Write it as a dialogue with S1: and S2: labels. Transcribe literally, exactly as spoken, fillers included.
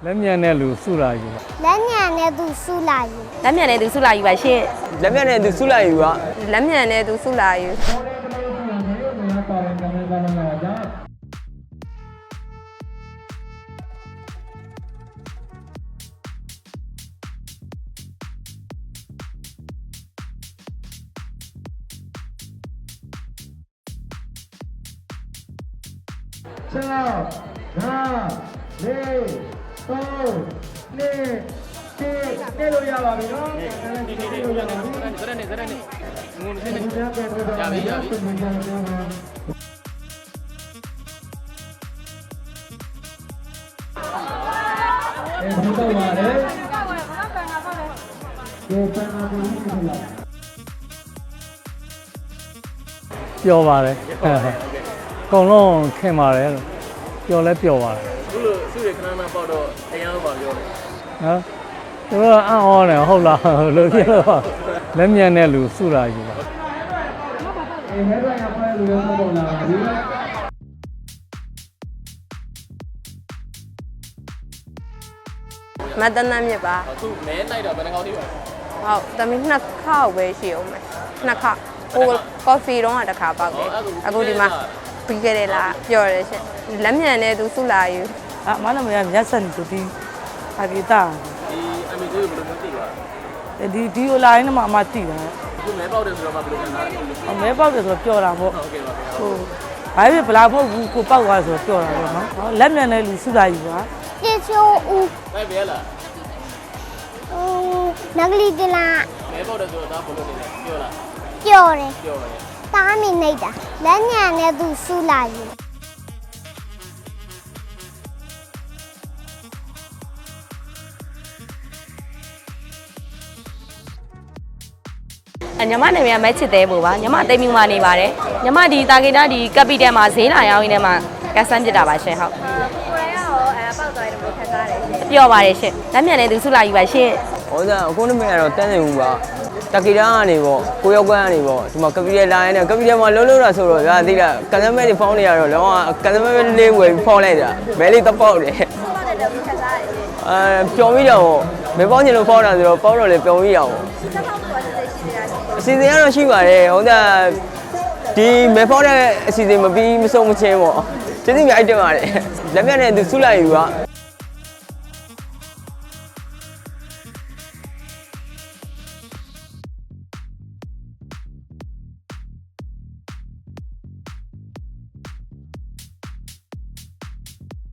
S1: လက်မြန်တဲ့လူစုလာယူ
S2: လက်မြန်တဲ့သူစုလာယူ
S3: လက်မြန်တဲ့သူစုလာယူပါရှင်
S4: လက်မြန်တဲ့သူစုလာယူက
S3: လက်မြန်တဲ့သူစုလာယူ
S1: 6 5 4 3 2 1နေလို့ရပါပြီနော်နေနေလို့ရပါပြီစရနေစရနေငုံနေနေရပြီရပြီအဲဒီတော့ပါတယ်ဒီပန်းနာဘူးဖြစ်လာပြောပါတယ်အကုန်လုံးခင်ပါတယ်ပျော်လဲပျော်ပါတယ်
S5: အခုလိုစုရခဏခဏပေါက်တော့တရားလို့ပါပြောတယ်
S1: နော်သူတို့အံ့ဩတယ်ဟုတ်လားလို့ပြောတော့လက်မြန်တဲ့လူစုလာယူပါအေးဟဲ့ရရဖိုင်လူရောပေါ်လာပြီ
S3: မတန်းနမ်းမြစ်ပါ
S5: အခုမဲလိုက်တော့ဘယ်နှကောင်းသေးပါ
S3: ဟုတ်တမီးနှစ်ခေါက်ပဲရှိအောင်မယ်နှစ်ခေါက်ဟိုကော်ဖီတော့တစ်ခါပေါက်တယ်အခုဒီမှာပြီးခဲ့တယ်လားပြောတယ်ရှင်လက်မြန်တဲ့သူစုလာယူ
S6: အာမနမရမျက်စံတူဒီအဂီတာ
S5: ဒီအမီတို့ဘယ်လိုသိပါ
S6: ဒီဒီလိုလိုင်းနဲ့မှအမသိတယ်
S5: အခုမဲပေါက်တယ်ဆိုတော့မှဘယ်လိုခံစားလဲ
S6: မဲပေါက်တယ်ဆိုတော့ပျော်တာပေါ့
S5: ဟုတ်ကဲ့ပါဗျာ
S6: ဟိုဘာဖြစ်ဘလာဖို့ဘူးကိုပေါက်သွားဆိုတော့ပျော်တာပေါ့နော်လက်မြန်တဲ့လူစုလာယူပါ
S2: ကျေချိုးဦး
S5: ပဲဘယ်လား
S2: ဦးနဂလီတလာ
S5: မဲပေါက်တယ်ဆိုတော့ဒါဘယ်လိုနေလဲပြောလား
S2: ပြောတယ်
S5: ပြောပါတယ်
S2: တားမိနေတာလက်မြန်တဲ့သူစုလာယူ
S3: ညီမနာမည်ကမက်ချစ်သေးဖို့ပါညီမတိမ်မြူမှာနေပါတယ်ညီမဒီတာဂီတာဒီကပီတယ်မှာဈေးလာရောက်ရင်းထဲမှာကတ်ဆန်းပြတာပါရှင်ဟုတ်
S2: ကိုယ်ရရောအဲပေါက်သွားတယ်ဘယ်လိုခံစားလဲ
S3: ပျော်ပါတယ်ရှင်လက်မြန်တဲ့သူစုလာယူပါရှင်
S4: ဟောဒါအခုနမေကတော့တန်းနေဘူးပါတကီတာကနေပေါ့ကိုရောက်ကွန်းကနေပေါ့ဒီမှာကပီတယ်လိုင်းနဲ့ကပီတယ်မှာလုံးလုံးတာဆိုတော့ဗျာသိလားကန်သမဲတွေဖောင်းနေရတော့လောကကန်သမဲလေးဝယ်ပြီးဖောင်းလိုက်တာမဲလေးတော့ပေါက်တယ်အဲပျော်ပြီးတော့မဲပေါင်းချင်လို့ဖောင်းတာဆိုတော့ပေါက်တော့လေပျော်ပြီးအောင်အစီအစဉ်ကတော့ရှိပါတယ်ဟိုဒါဒီမဲဖောက်တဲ့အစီအစဉ်မပြီးမဆုံးမချင်းပေါ့ကျေးဇူးများအိုက်တင်ပါတယ်လက်မြတ်နဲ့သူဆုလိုက်ယူက